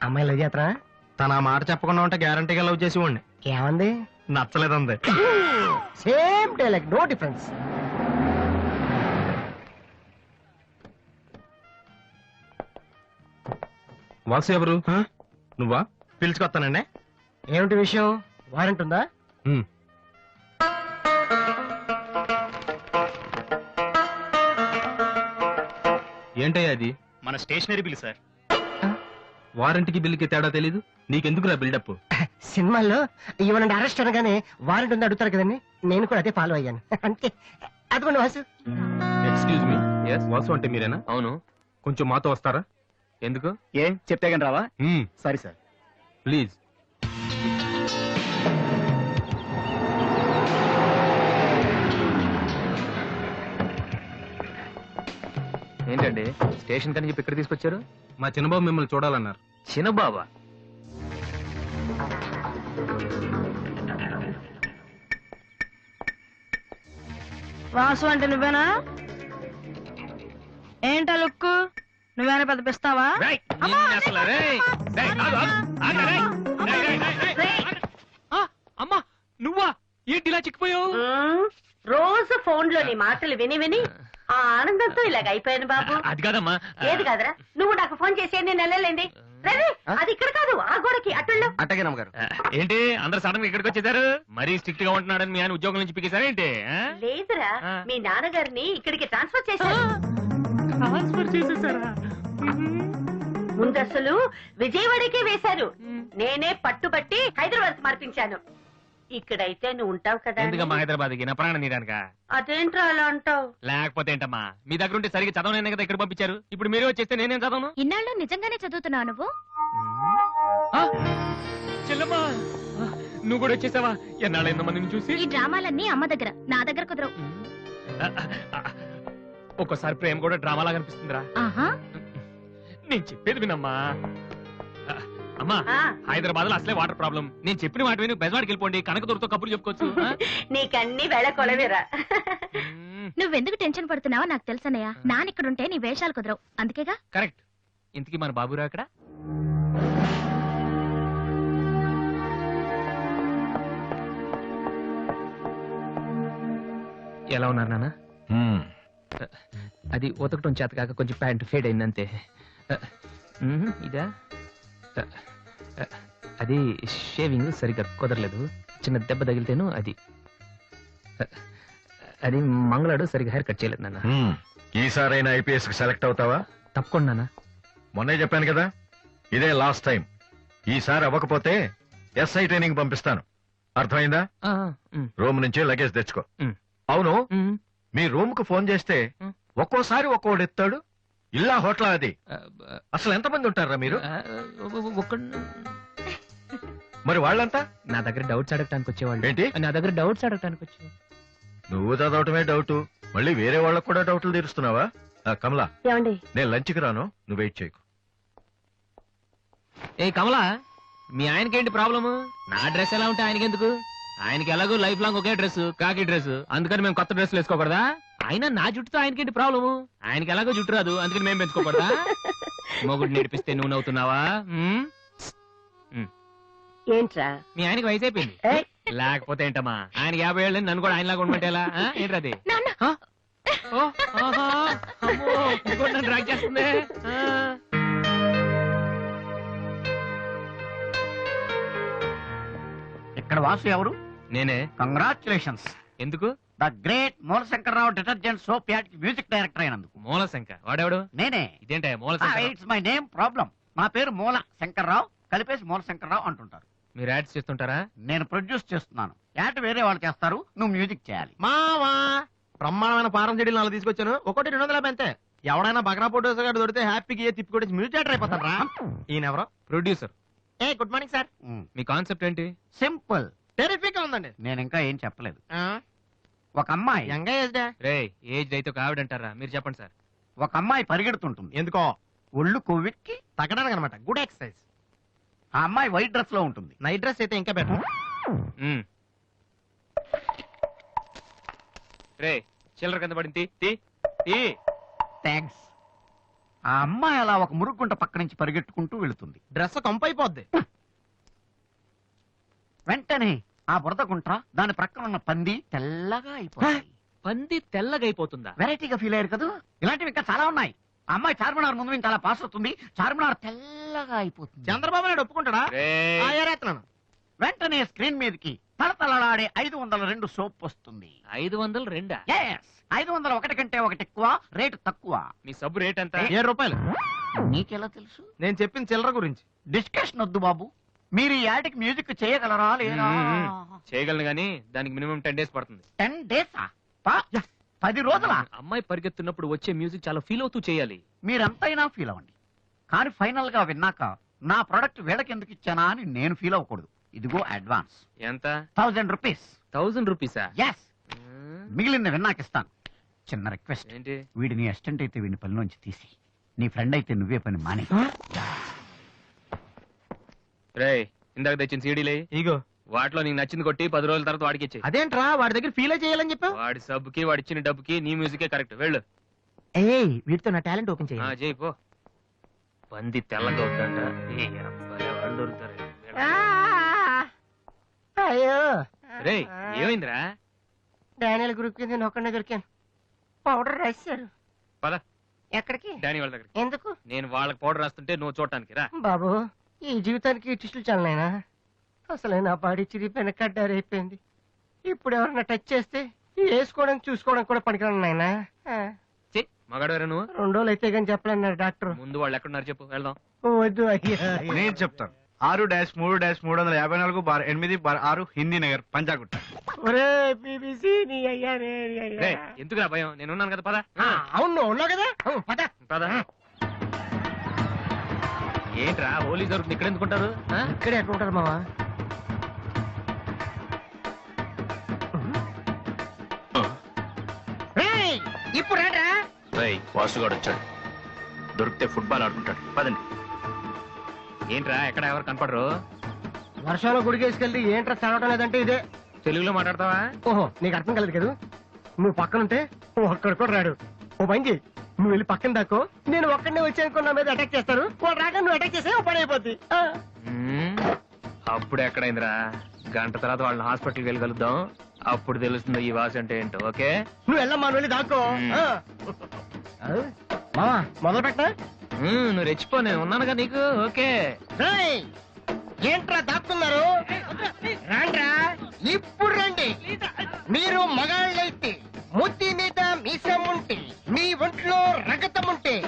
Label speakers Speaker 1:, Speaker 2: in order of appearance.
Speaker 1: అమ్మాయి లవ్ చేతరా?
Speaker 2: తన ఆ మాట చెప్పకుండా ఉంటే గ్యారంటీగా లవ్ చేసి ఉండి.
Speaker 1: ఏమంది?
Speaker 2: నచ్చలేదంది.
Speaker 1: Same dialogue, no difference.
Speaker 2: Vasu ఎవరు? నువ్వా? పిలుచుకొస్తానండి.
Speaker 1: ఏమిటి విషయం? వారెంట్ ఉందా?
Speaker 2: ఏంటయ్యా అది?
Speaker 3: మన స్టేషనరీ బిల్ సార్.
Speaker 2: వారంటీకి బిల్లుకి తేడా తెలీదు నీకెందుకురా బిల్డప్?
Speaker 1: సినిమాల్లో ఇవ్వనండి అరెస్ట్ అనగానే వారెంట్ ఉందా అడుగుతారు కదండి, నేను కూడా అదే ఫాలో అయ్యాను. అంతే. అదిగోండి వాసు.
Speaker 2: ఎక్స్క్యూజ్ మీ, వాసు అంటే మీరేనా?
Speaker 3: అవును.
Speaker 2: కొంచెం మాతో వస్తారా?
Speaker 3: ఎందుకు? ఏం చెప్తే కానీ రావా? Sorry sir.
Speaker 2: ప్లీజ్.
Speaker 3: ఏంటండి స్టేషన్ కని చెప్పి ఇక్కడ తీసుకొచ్చారు?
Speaker 2: మా చిన్నబాబు మిమ్మల్ని చూడాలన్నారు.
Speaker 3: చిన్నబాబా?
Speaker 4: వాసు అంటే నువ్వేనా? ఏంటా లుక్కు? నువ్వేనా పెద్ద పిస్తావా?
Speaker 3: అమ్మా నువ్వా? ఏంటి ఇలా చిక్కిపోయావు?
Speaker 5: రోజు ఫోన్ లో నీ మాటలు విని విని ఆ ఆనందంతో ఇలాగ అయిపోయాను బాబు.
Speaker 3: అది కాదమ్మా.
Speaker 5: ఏది కాదరా, నువ్వు నాకు ఫోన్ చేసి నేను వెళ్ళలేండి. అది ఇక్కడ కాదు, ఆ గోడకి అటుళ్ళు.
Speaker 2: అట్టగే నమ్మగారు.
Speaker 3: ఏంటి అందరు సడన్ గా ఇక్కడికి వచ్చేసారు? మరీ స్ట్రిక్ట్ గా ఉంటున్నాడని మీ ఆయన ఉద్యోగం నుంచి పిగేశారా ఏంటి?
Speaker 5: లేదురా, మీ నాన్నగారిని ఇక్కడికి ట్రాన్స్ఫర్ చేశారు. ముందు అసలు విజయవాడకే వేశారు, నేనే పట్టుబట్టి హైదరాబాద్ మార్పించాను. ఇక్కడైతే నువ్వు ఉంటావు కదా.
Speaker 3: ఎందుకమ్మా హైదరాబాద్ కి? నా ప్రాణం నీరానుక.
Speaker 5: అదేంట్రా అలా అంటావు?
Speaker 3: లేకపోతే ఏంటమ్మా, మీ దగ్గర ఉంటే సరిగ్గా చదవనైనా కదా ఇక్కడ పంపించారు. ఇప్పుడు మీరే వచ్చేస్తే నేనేం చదవను?
Speaker 6: ఇన్నాళ్ళు నిజంగానే చదువుతున్నావు నువ్వు?
Speaker 3: చెల్లమ్మా నువ్వు కూడా వచ్చేసావా? ఎన్నాళ్ళు ఎంతో మందిని చూసి.
Speaker 6: ఈ డ్రామాలన్నీ అమ్మ దగ్గర, నా దగ్గర కుదరవు.
Speaker 3: ఒక్కోసారి ప్రేమ కూడా డ్రామాలాగా అనిపిస్తుందిరా. నేను చెప్పేది వినమ్మా. అమ్మా హైదరాబాద్ లో అసలే వాటర్ ప్రాబ్లం. నేను చెప్పిన మాట విని బెజవాడికి వెళ్ళిపోండి, కనకదుర్తో కబుర్లు చెప్పుకోవచ్చు.
Speaker 5: నీకన్నీ వేళ కొలవేరా.
Speaker 6: నువ్వెందుకు టెన్షన్ పడుతున్నావో నాకు తెలుసనయ్య. నానిక్కడుంటే నీ వేషాలు కుదరవు, అందుకేగా.
Speaker 3: కరెక్ట్. ఇంతకీ మన బాబురా అక్కడ? ఎలా ఉన్నారు నాన్న? అది ఉతకటం చేత కాక కొంచెం ప్యాంట్ ఫేడ్ అయిందంతే. ఇదా? అది షేవింగ్ సరిగ్గా కుదరలేదు, చిన్న దెబ్బ తగిలితేను. అది మంగళాడు సరిగ్గా హెయిర్ కట్ చేయలేదు నాన్న.
Speaker 7: ఈసారైనా ఐపీఎస్ కి సెలెక్ట్ అవుతావా?
Speaker 3: తప్పకుండా నాన్న.
Speaker 7: మొన్నే చెప్పాను కదా, ఇదే లాస్ట్ టైం. ఈసారి అవ్వకపోతే ఎస్ఐ ట్రైనింగ్ పంపిస్తాను, అర్థమైందా? రూమ్ నుంచి లగేజ్ తెచ్చుకో. అవును, మీ రూమ్ కు ఫోన్ చేస్తే ఒక్కోసారి ఒక్కోడు ఎత్తాడు. ఇల్లా హోటల్ అది? అసలు ఎంతమంది ఉంటారా మీరు? మరి వాళ్ళంతా
Speaker 3: నా దగ్గర డౌట్స్ అడగటానికి వచ్చేవాళ్ళు.
Speaker 7: ఏంటి?
Speaker 3: నా దగ్గర డౌట్స్ అడగటానికి వచ్చేవాళ్ళు.
Speaker 7: నువ్వు చదవటమే డౌట్, మళ్ళీ వేరే వాళ్ళకు కూడా డౌట్లు తీరుస్తున్నావా? కమలా, నేను లంచ్కి రాను, నువ్వు వెయిట్ చేయకు.
Speaker 3: ఏ కమలా, మీ ఆయనకేంటి ప్రాబ్లము? నా డ్రెస్ ఎలా ఉంటే ఆయనకెందుకు? ఆయనకి ఎలాగో లైఫ్ లాంగ్ ఒకే డ్రెస్, కాకి డ్రెస్, అందుకని మేము కొత్త డ్రెస్లు వేసుకోకూడదా? అయినా నా జుట్టుతో ఆయనకేంటి ప్రాబ్లము? ఆయనకి ఎలాగో జుట్టు రాదు, అందుకని మేము పెంచుకోకూడదా? మొగుడు నేర్పిస్తే నువ్వు నవ్వుతున్నావా?
Speaker 5: ఏంట్రా
Speaker 3: మీ ఆయనకి వయసు అయిపోయింది. లేకపోతే ఏంటమ్మా, ఆయన 50 ఏళ్ళు, నన్ను కూడా ఆయనలాగా ఉండమంటే ఎలా? ఏంటది? నన్ను డ్రాక్ చేస్తుంది.
Speaker 8: ఇక్కడ వాసు ఎవరు?
Speaker 3: నేనే.
Speaker 8: కంగ్రాచులేషన్స్.
Speaker 3: ఎందుకు?
Speaker 8: The great Moolashankararao detergent soap ad కి మ్యూజిక్ డైరెక్టర్ అయినందుకు.
Speaker 3: మూలశంకర్ వాడెవడు?
Speaker 8: నేనే.
Speaker 3: ఇదేంటే Moolashankar?
Speaker 8: It's my name problem. నా పేరు మూల శంకర్రావు, కలిపేసి మూలశంకరరావు అంటుంటారు.
Speaker 3: మీరు యాడ్స్ చేస్తుంటారా?
Speaker 8: నేను ప్రొడ్యూస్ చేస్తున్నాను. యాడ్ వేరే వాళ్ళు చేస్తారు, నువ్వు మ్యూజిక్ చేయాలి.
Speaker 2: మావా బ్రహ్మాండమైన పారం చెడీలు 4 తీసుకొచ్చాను, ఒకటి 250 అంతే. ఎవడైనా బగ్రా ఫోటోస్ గారు దొరికితే హ్యాపీకి తిప్పి కొట్టేసి మ్యూజిక్ డైరెక్టర్ అయిపోతారా? ఈయన ఎవరో
Speaker 3: ప్రొడ్యూసర్.
Speaker 2: Good morning sir.
Speaker 3: మీ కాన్సెప్ట్ ఏంటి?
Speaker 8: సింపుల్,
Speaker 2: టెరిఫిక్ గా ఉందండి.
Speaker 8: నేను ఇంకా ఏం చెప్పలేదు. ఒక అమ్మాయి
Speaker 3: రే ఏజ్ అయితే ఒక ఆవిడ అంటారా? మీరు చెప్పండి సార్.
Speaker 8: ఒక అమ్మాయి పరిగెడుతుంటుంది.
Speaker 2: ఎందుకో?
Speaker 8: ఒళ్ళు కొవ్వెక్కి
Speaker 2: తగ్గడానికి అనమాట. Good exercise.
Speaker 8: ఆ అమ్మాయి వైట్ డ్రెస్ లో ఉంటుంది.
Speaker 2: నైట్ డ్రెస్ అయితే ఇంకా బెటర్.
Speaker 3: రే చిల్లర కింద పడింది.
Speaker 8: థ్యాంక్స్. ఆ అమ్మాయి అలా ఒక మురుగుంట పక్క నుంచి పరిగెట్టుకుంటూ వెళుతుంది.
Speaker 2: డ్రెస్ కంపైపోద్ది.
Speaker 8: వెంటనే ఆ బురద గుంట దాని ప్రక్కన ఉన్న పంది తెల్లగా అయిపోతుంది.
Speaker 3: పంది తెల్లగైపోతుందా?
Speaker 8: వెరైటీగా ఫీల్ అయ్యారు కదా. ఇలాంటివి ఇంకా చాలా ఉన్నాయి. ఆ అమ్మాయి చార్మినార్ ముందు నుంచి అలా పాస్ అవుతుంది. చార్మినార్ తెల్లగా అయిపోతుంది.
Speaker 2: చంద్రబాబు నాయుడు ఒప్పుకుంటాడా?
Speaker 3: రేయ్,
Speaker 2: ఏరేస్తున్నాను.
Speaker 8: వెంటనే స్క్రీన్ మీదకి తలతలలాడే 502 సోప్ వస్తుంది.
Speaker 3: 502?
Speaker 8: Yes, 501 కంటే ఒకటి ఎక్కువ, రేటు తక్కువ.
Speaker 3: మీ సబ్బు రేట్ ఎంత?
Speaker 2: 7 రూపాయలు.
Speaker 8: నీకెలా తెలుసు?
Speaker 2: నేను చెప్పిన చిల్లర గురించి.
Speaker 8: డిస్కషన్ వద్దు బాబు. మీరు ఈ యాడ్కి మ్యూజిక్ చేయగలరా లేదా?
Speaker 3: చేయగలను గానీ దానికి మినిమం 10 days పడుతుంది.
Speaker 8: 10 days 10 రోజుల.
Speaker 3: అమ్మాయి పరిగెత్తున్నప్పుడు వచ్చే మ్యూజిక్ చాలా ఫీల్ అవుతూ చేయాలి.
Speaker 8: మీరంతైనా ఫీల్ అవ్వండి, కానీ ఫైనల్ గా విన్నాక నా ప్రొడక్ట్ వీళ్ళకి ఎందుకు ఇచ్చానా అని నేను ఫీల్ అవ్వకూడదు. ఇదిగో అడ్వాన్స్.
Speaker 3: ఎంత?
Speaker 8: 1000 రూపీస్.
Speaker 3: 1000 రూపీసా?
Speaker 8: ఎస్, మిగిలింది విన్నాక ఇస్తాను. చిన్న రిక్వెస్ట్,
Speaker 3: ఏంటి?
Speaker 8: వీడిని అసిస్టెంట్ అయితే వీడిని పనిలోంచి తీసి, నీ ఫ్రెండ్ అయితే నువ్వే పని మానే.
Speaker 3: రేయ్, ఇందాక తెచ్చిన సీడీలే
Speaker 2: ఇగో.
Speaker 3: వాటిలో నీకు నచ్చింది కొట్టి 10 రోజుల తర్వాత వాడికి ఇచ్చేయ్.
Speaker 2: అదేంట్రా వాడి దగ్గర ఫీల్ చేయాలని చెప్పావు?
Speaker 3: వాడి సబ్బుకి వాడి ఇచ్చిన డబ్బుకి నీ మ్యూజికే కరెక్ట్. వెళ్ళు.
Speaker 1: ఏయ్ వీటితో నా టాలెంట్ ఓపెన్
Speaker 3: ఆ,
Speaker 1: చేయాలి.
Speaker 3: చేయి పో. పంది తెల్లగా అవుతుందంట. ఏ అబ్బాయి, వాళ్ళు దొరుకుతారు.
Speaker 1: అయ్యో
Speaker 3: రేయ్, ఏమైందిరా?
Speaker 1: డానియల్ గ్రూప్ కింద నేను ఒక్కడే దొరికాను. పౌడర్ రాశారు.
Speaker 3: పద
Speaker 1: ఎక్కడికి?
Speaker 3: డానీ వాళ్ళ దగ్గరికి.
Speaker 1: ఎందుకు
Speaker 3: నేను వాళ్ళకి పౌడర్ రాస్తుంటే నువ్వు చూడటానికి రా.
Speaker 1: బాబు? ఈ జీవితానికి టిస్టులు చాలనైనా. అసలే నా బాడీ చిరిగిపోయిన కడ్డారైపోయింది. ఇప్పుడు ఎవరన్నా టచ్ చేస్తే వేసుకోవడం చూసుకోవడం కూడా పనికిరాను నాయనా.
Speaker 3: చెయ్, మగాడు నువ్వు.
Speaker 1: 2 రోజులు అయితే కానీ చెప్పలేన్నారు డాక్టర్.
Speaker 3: ముందు వాళ్ళు ఎక్కడున్నారు చెప్పు, వెళ్దాం.
Speaker 1: వద్దు అయ్యా.
Speaker 2: నేను చెప్తాను. 6-3-358-8/6 హిందీ నగర్ పంజాగుట్ట.
Speaker 1: ఒరే బీబీసీ నీ అయ్యా రే నీ అయ్యా.
Speaker 3: రేయ్, ఎందుకురా భయం? నేను ఉన్నాను కదా, పద.
Speaker 1: అవును నువ్వు ఉన్నావు కదా. పద.
Speaker 3: పద. ఏంట్రా హోలీ జరుగుతుంది, ఇక్కడ ఎందుకుంటారు?
Speaker 1: ఇక్కడే ఎక్కడ ఉంటారు మావా? ఇప్పుడు రా.
Speaker 3: వాసుగాడు వచ్చాడు. దొరికితే ఫుట్బాల్ ఆడుకుంటాడు. పదండి. ఏంట్రా ఎక్కడ ఎవరు కనపడరు?
Speaker 1: వర్షంలో గుడికేసుకెళ్ళి ఏంట్రా చదవటం లేదంటే ఇదే.
Speaker 3: తెలుగులో మాట్లాడతావా?
Speaker 1: ఓహో నీకు అర్థం కలదు కదా. నువ్వు పక్కనుంటే ఒక్కడు కూడా రాడు. ఓ పని చెయ్యి, నువ్వు వెళ్ళి పక్కన దాకో. నేను ఒక్కడనే వచ్చానుకో, నా మీద అటాక్ చేస్తారు. వాడు రాక నువ్వు అటాక్ చేస్తే ఓ పని అయిపోద్ది.
Speaker 3: అప్పుడు ఎక్కడైందిరా? గంట తర్వాత వాళ్ళని హాస్పిటల్కి వెళ్ళి కలుద్దాం. అప్పుడు తెలుస్తుంది ఈ వాసి అంటే ఏంటో. ఓకే,
Speaker 1: నువ్వు వెళ్ళమ్మా, నువ్వు వెళ్ళి దాకో. మావా మొదలు పెట్టా.
Speaker 3: నువ్వు రెచ్చిపో, నేను ఉన్నానుగా నీకు. ఓకే.
Speaker 1: ఏంట్రా దాక్కున్నారు? రాండ్రా, ఇప్పుడు రండి. మీరు మగాళ్ళైతే, ముత్తి మీద మీసం ఉంటే, మీ ఒంట్లో రగతం ఉంటే,